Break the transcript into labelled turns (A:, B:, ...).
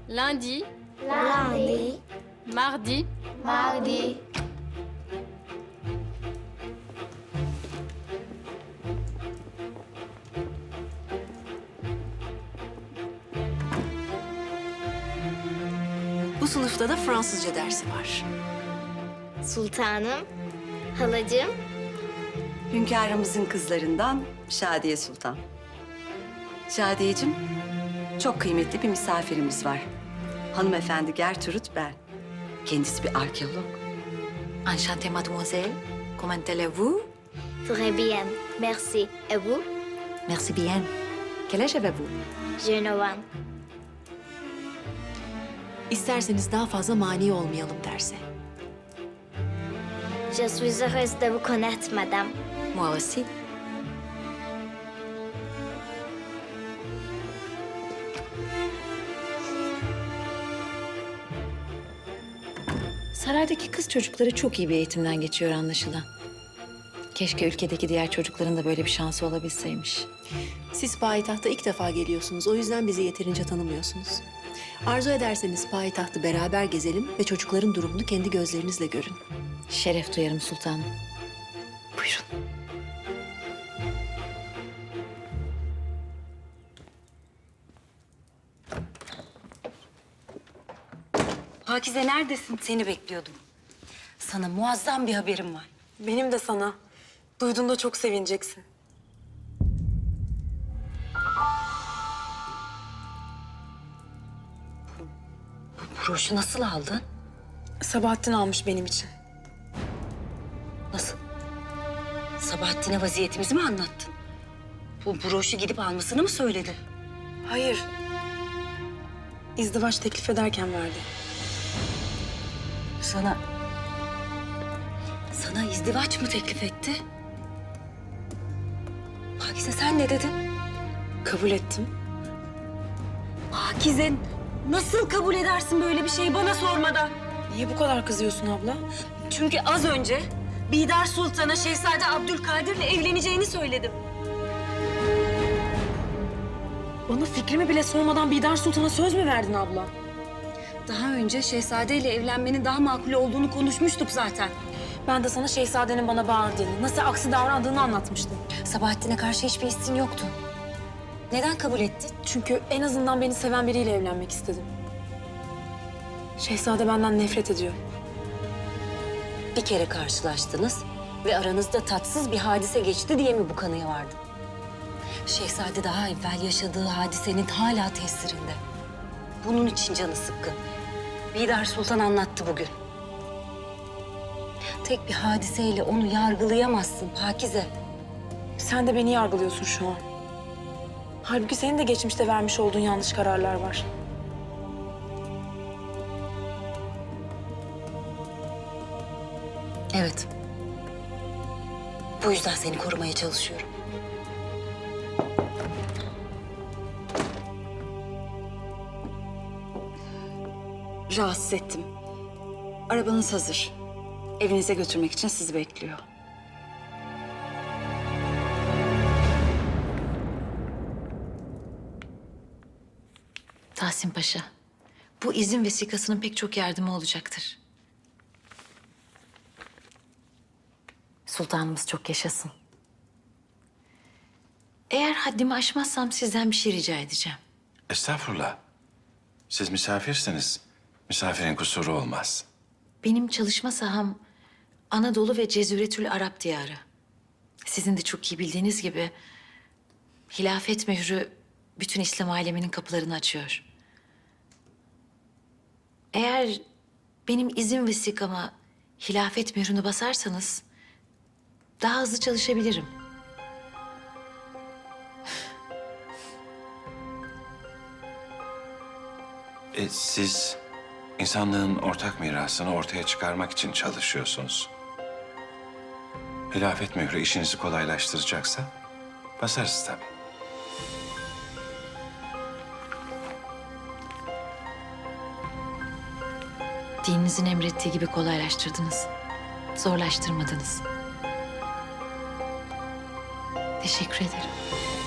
A: lundi,
B: lundi,
A: mardi,
B: mardi,
C: Bu sınıfta da Fransızca dersi var.
B: sultanım, halacığım,
D: Hünkârımızın kızlarından Şadiye Sultan. Şadiyeciğim, çok kıymetli bir misafirimiz var. Hanımefendi Gertrude Bell. Kendisi bir arkeolog.
C: Enchantée mademoiselle. Comment allez-vous?
B: très bien, merci. Et vous?
C: Merci bien. Quel âge avez-vous?
B: Je ne vois.
C: İsterseniz daha fazla mani olmayalım derse.
B: Je suis heureuse de vous connaître, madame.
C: Moi aussi. Saraydaki kız çocukları çok iyi bir eğitimden geçiyor anlaşılan. Keşke ülkedeki diğer çocukların da böyle bir şansı olabilseymiş.
E: Siz payitahta ilk defa geliyorsunuz. O yüzden bizi yeterince tanımıyorsunuz. Arzu ederseniz payitahtı beraber gezelim ve çocukların durumunu kendi gözlerinizle görün.
C: Şeref duyarım sultanım. Buyurun.
D: Pakize neredesin? Seni bekliyordum. Sana muazzam bir haberim var.
F: Benim de sana. Duyduğunda çok sevineceksin.
D: Broşu nasıl aldın?
F: Sabahattin almış benim için.
D: Nasıl? Sabahattin'e vaziyetimizi mi anlattın? Bu broşu gidip almasını mı söyledin?
F: Hayır. İzdivaç teklif ederken verdi.
D: Sana izdivaç mı teklif etti? Pakize sen ne dedin?
F: Kabul ettim.
D: Pakize nasıl kabul edersin böyle bir şeyi bana sormadan?
F: Niye bu kadar kızıyorsun abla?
D: Çünkü az önce Bidar Sultan'a Şehzade Abdülkadir'le evleneceğini söyledim.
F: Bana fikrimi bile sormadan Bidar Sultan'a söz mü verdin abla?
D: Daha önce Şehzade ile evlenmenin daha makul olduğunu konuşmuştuk zaten.
F: Ben de sana şehzadenin bana bağırdığını, nasıl aksi davrandığını anlatmıştım.
D: Sabahattin'e karşı hiçbir hissin yoktu. Neden kabul ettin?
F: Çünkü en azından beni seven biriyle evlenmek istedim. Şehzade benden nefret ediyor.
D: Bir kere karşılaştınız ve aranızda tatsız bir hadise geçti diye mi bu kanıya vardın? Şehzade daha evvel yaşadığı hadisenin hala tesirinde. Bunun için canı sıkkın. Bidar Sultan anlattı bugün. Tek bir hadiseyle onu yargılayamazsın Pakize.
F: Sen de beni yargılıyorsun şu an. Halbuki senin de geçmişte vermiş olduğun yanlış kararlar var.
D: Evet. Bu yüzden seni korumaya çalışıyorum. Rahatsız ettim. Arabanız hazır. Evinize götürmek için sizi bekliyor.
C: Tahsin Paşa, bu izin vesikasının pek çok yardımı olacaktır. Sultanımız çok yaşasın. Eğer haddimi aşmazsam sizden bir şey rica edeceğim.
G: Estağfurullah. Siz misafirsiniz. Misafirin kusuru olmaz.
C: Benim çalışma saham Anadolu ve Cezüretül Arap diyarı. Sizin de çok iyi bildiğiniz gibi hilafet mührü bütün İslam aleminin kapılarını açıyor. Eğer benim izin vesikama hilafet mührünü basarsanız daha hızlı çalışabilirim.
G: Siz insanlığın ortak mirasını ortaya çıkarmak için çalışıyorsunuz. Hilafet mührü işinizi kolaylaştıracaksa basarız tabii.
C: Dininizin emrettiği gibi kolaylaştırdınız. Zorlaştırmadınız. Teşekkür ederim.